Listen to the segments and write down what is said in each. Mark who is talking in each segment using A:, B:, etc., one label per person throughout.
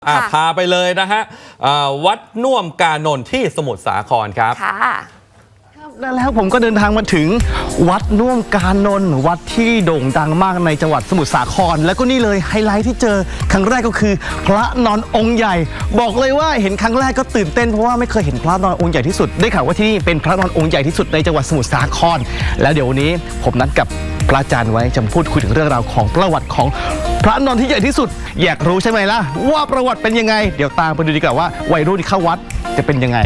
A: พาไปเลยนะฮะวัดน่วมกานนท์ที่สมุทรสาครครับ
B: แล้วผมก็เดินทางมาถึงวัดน่วมกานนท์วัดที่โด่งดังมากในจังหวัดสมุทรสาครแล้วก็นี่เลยไฮไลท์ที่เจอครั้งแรกก็คือพระนอนองค์ใหญ่บอกเลยว่าเห็นครั้งแรกก็ตื่นเต้นเพราะว่าไม่เคยเห็นพระนอนองค์ใหญ่ที่สุดได้ข่าวว่าที่นี่เป็นพระนอนองค์ใหญ่ที่สุดในจังหวัดสมุทรสาครแล้วเดี๋ยววันนี้ผมนัดกับพระอาจารย์ไว้จะพูดคุยถึงเรื่องราวของประวัติของพระนอนที่ใหญ่ที่สุดอยากรู้ใช่ไหมล่ะว่าประวัติเป็นยังไงเดี๋ยวตามไปดูดีกว่าว่าวัยรุ่นที่เข้าวัดจะเป็นยังไง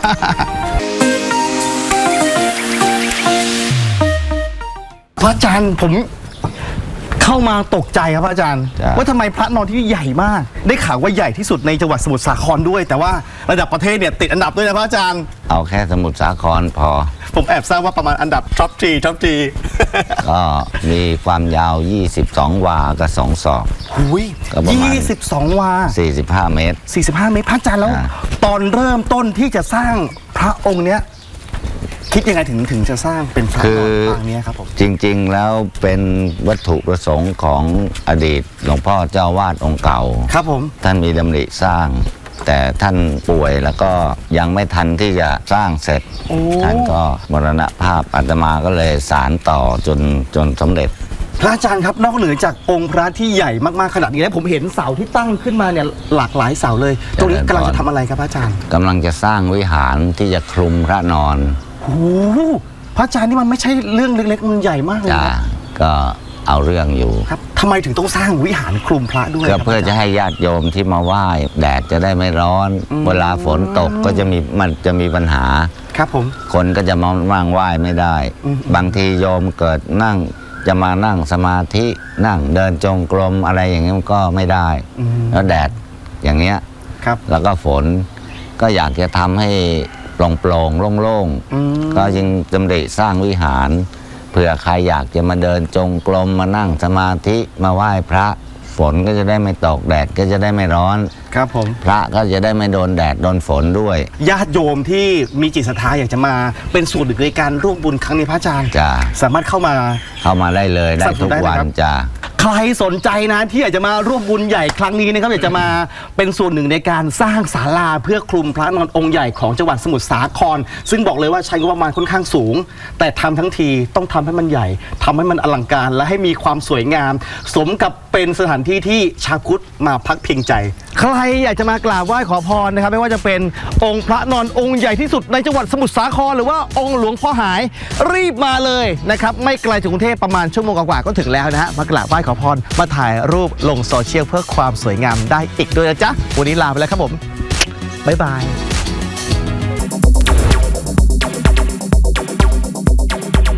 B: พระอาจารย์ผมเข้ามาตกใจครับพระอาจารย์ว่าทำไมพระนอนที่ใหญ่มากได้ข่าวว่าใหญ่ที่สุดในจังหวัดสมุทรสาครด้วยแต่ว่าระดับประเทศเนี่ยติดอันดับด้วยนะพระอาจารย์
C: เอาแค่สมุทรสาครพอ
B: ผมแอบทราบว่าประมาณอันดับท็อปทรี
C: ก็มีความยาว22 วากับ2 ศอก
B: ก็ประมาณ22 วา
C: 45 เมตร
B: 45 เมตรพระอาจารย์แล้วตอนเริ่มต้นที่จะสร้างพระองค์เนี้ยคิดยังไงถึงจะสร้างเป็นพระนอนปางนี้ครับผม
C: จริงๆแล้วเป็นวัตถุประสงค์ของอดีตหลวงพ่อเจ้าวาดองค์เก่า
B: ครับผม
C: ท่านมีดำริสร้างแต่ท่านป่วยแล้วก็ยังไม่ทันที่จะสร้างเสร็จท่านก็มรณภาพอาตมาก็เลยสานต่อจนสำเร็จ
B: พระอาจารย์ครับนอกเหนือจากองค์พระที่ใหญ่มากๆขนาดนี้แล้วผมเห็นเสาที่ตั้งขึ้นมาเนี่ยหลากหลายเสาเลยตรงนี้กำลังจะทำอะไรครับพระอาจารย์
C: กำลังจะสร้างวิหารที่จะคลุมพระนอน
B: โอ้พระอาจารย์นี่มันไม่ใช่เรื่องเล็กๆมันใหญ่มากเลย
C: นะก็เอาเรื่องอยู่
B: ครับทำไมถึงต้องสร้างวิหารคลุมพระด้วย
C: ก็เพื่อจะให้ญาติโยมที่มาไหว้แดดจะได้ไม่ร้อนเวลาฝนตกก็จะมีปัญหา
B: ครับผม
C: คนก็จะมาว่างไหว้ไม่ได้บางทีโยมเกิดจะมานั่งสมาธินั่งเดินจงกรมอะไรอย่างนี้มันก็ไม่ได้แล้วแดดอย่างเงี้ยแล้วก็ฝนก็อยากจะทำให้โปร่งโล่งๆก็ยังดำริสร้างวิหารเผื่อใครอยากจะมาเดินจงกรมมานั่งสมาธิมาไหว้พระฝนก็จะได้ไม่ตกแดดก็จะได้ไม่ร้อน
B: ครับผม
C: พระก็จะได้ไม่โดนแดดโดนฝนด้วย
B: ญาติโยมที่มีจิตศรัทธาอยากจะมาเป็นส่วนหนึ่งในการร่วมบุญครั้งนี้พระอาจารย์สามารถเข้ามา
C: ได้เลยได้ทุกวันจ้า
B: ใครสนใจนะที่อยากจะมาร่วมบุญใหญ่ครั้งนี้นะครับอยากจะมาเป็นส่วนหนึ่งในการสร้างศาลาเพื่อคลุมพระนอนองค์ใหญ่ของจังหวัดสมุทรสาครซึ่งบอกเลยว่าใช้งบประมาณค่อนข้างสูงแต่ทำทั้งทีต้องทำให้มันใหญ่ทำให้มันอลังการและให้มีความสวยงามสมกับเป็นสถานที่ที่ชาวพุทธมาพักพิงใจใครอยากจะมากราบไหว้ขอพรนะครับไม่ว่าจะเป็นองค์พระนอนองค์ใหญ่ที่สุดในจังหวัดสมุทรสาครหรือว่าองค์หลวงพ่อหายรีบมาเลยนะครับไม่ไกลจากกรุงเทพประมาณชั่วโมงกว่าก็ถึงแล้วนะฮะมากราบไหว้ขอพรมาถ่ายรูปลงโซเชียลเพื่อความสวยงามได้อีกด้วยนะจ๊ะวันนี้ลาไปแล้วครับผมบ๊ายบาย